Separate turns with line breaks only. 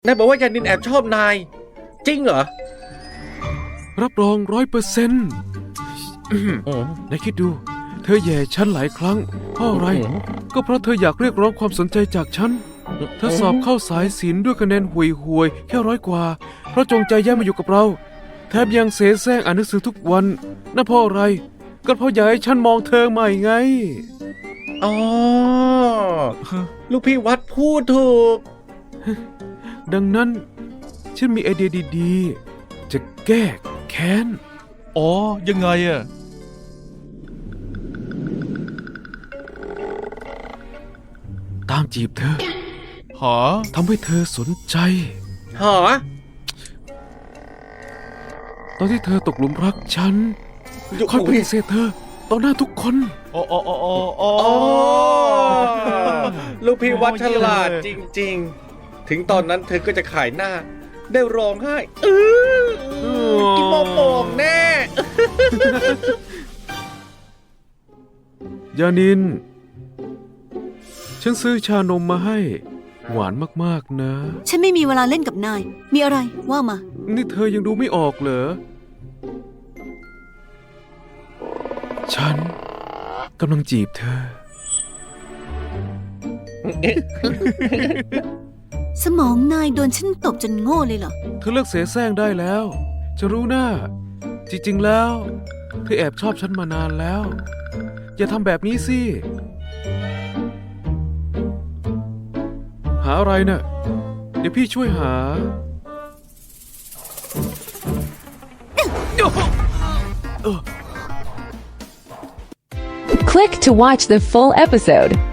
นายบอกว่ายานินแอบชอบนายจริงเหรอ
รับรอง100%นายคิดดู เธอแย่ฉันหลายครั้งเพราะอะไร ก็เพราะเธออยากเรียกร้องความสนใจจากฉัน เธอสอบเข้าสายศิลป์ด้วยคะแนนห่วยๆแค่100 กว่า เพราะจงใจแย่งมาอยู่กับเรา แถมยังเสแสร้งอ่านหนังสือทุกวันนั่นเพราะอะไร ก็เพราะอยากให้ฉันมองเธอใหม่ไง
อ๋อ ลูกพี่วัดพูดถูก
ดังนั้นฉันมีไอเดียดีๆ จะแก้แค้น
อ๋อยังไงอะ
ตามจีบเธอ
หา
ทำให้เธอสนใจ
หอ
ตอนที่เธอตกหลุมรักฉันค่อยปฏิเสธเธอต่อหน้าทุกคน
อ๋ออ๋ออ๋ออ๋อ
อ๋อ ลูกพี่วัดฉลาดจริงๆ ถึงตอนนั้นเธอก็จะขายหน้า ได้ร้องไห้กินโมโป่งแน่
ยานิน ฉันซื้อชานมมาให้ หวานมากๆนะ
ฉันไม่มีเวลาเล่นกับนาย มีอะไรว่ามา
นี่เธอยังดูไม่ออกเหรอ ฉันกำลังจีบเธอ
สมองนายโดนฉันตบจนโง่เลยเหรอ
เธอเลิกเสแสร้งได้แล้ว จะรู้หน้า จริงๆแล้ว เธอแอบชอบฉันมานานแล้ว อย่าทำแบบนี้สิ หาอะไรน่ะ เดี๋ยวพี่ช่วยหา
Click to watch the full episode.